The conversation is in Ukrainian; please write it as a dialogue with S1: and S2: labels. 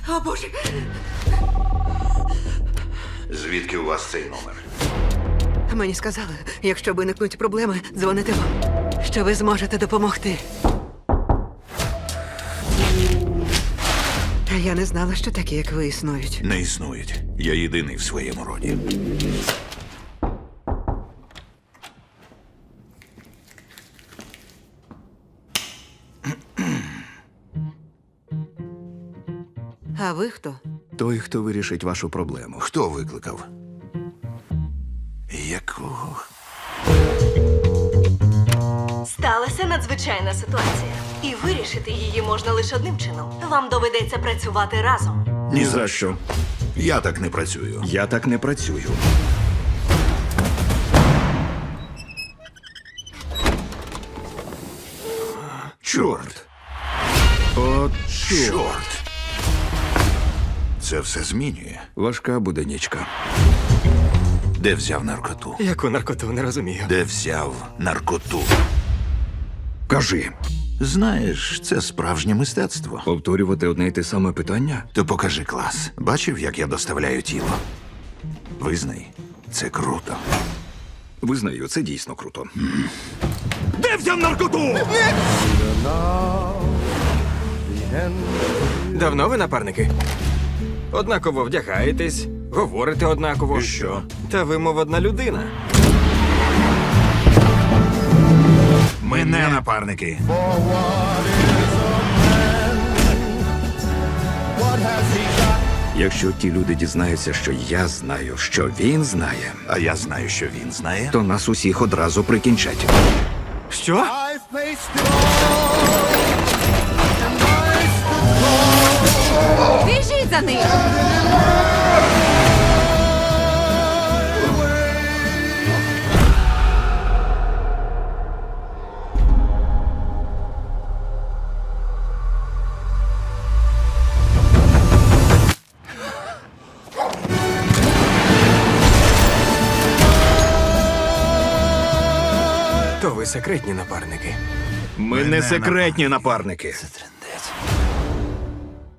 S1: О, Боже!
S2: Звідки у вас цей номер?
S1: Мені сказали, якщо виникнуть проблеми, дзвоните вам, що ви зможете допомогти. Та я не знала, що такі, як ви, існують.
S2: Не існують. Я єдиний в своєму роді.
S1: А ви хто?
S3: Той, хто вирішить вашу проблему.
S2: Хто викликав? Якого?
S4: Сталася надзвичайна ситуація. І вирішити її можна лише одним чином. Вам доведеться працювати разом.
S3: Ні за що.
S2: Я так не працюю.
S3: Я так не працюю.
S2: Чорт!
S3: От
S2: Чорт! Це все змінює.
S3: важка буде нічка.
S2: Де взяв наркоту?
S5: Яку наркоту, не розумію.
S2: Де взяв наркоту?
S3: Кажи,
S2: Знаєш, це справжнє мистецтво.
S3: повторювати одне й те саме питання?
S2: То покажи клас. Бачив, як я доставляю тіло? Визнай, це круто.
S3: Визнаю, це дійсно круто. Де взяв наркоту?
S5: Давно ви напарники? Однаково вдягаєтесь, говорите однаково.
S2: І що?
S5: Та ви, мов одна людина.
S2: Ми не напарники.
S3: Якщо ті люди дізнаються, що я знаю, що він знає,
S2: А я знаю, що він знає.
S3: то нас усіх одразу прикінчать.
S5: Що?
S1: Біжіть за ним!
S5: То ви секретні напарники.
S3: Ми не секретні напарники.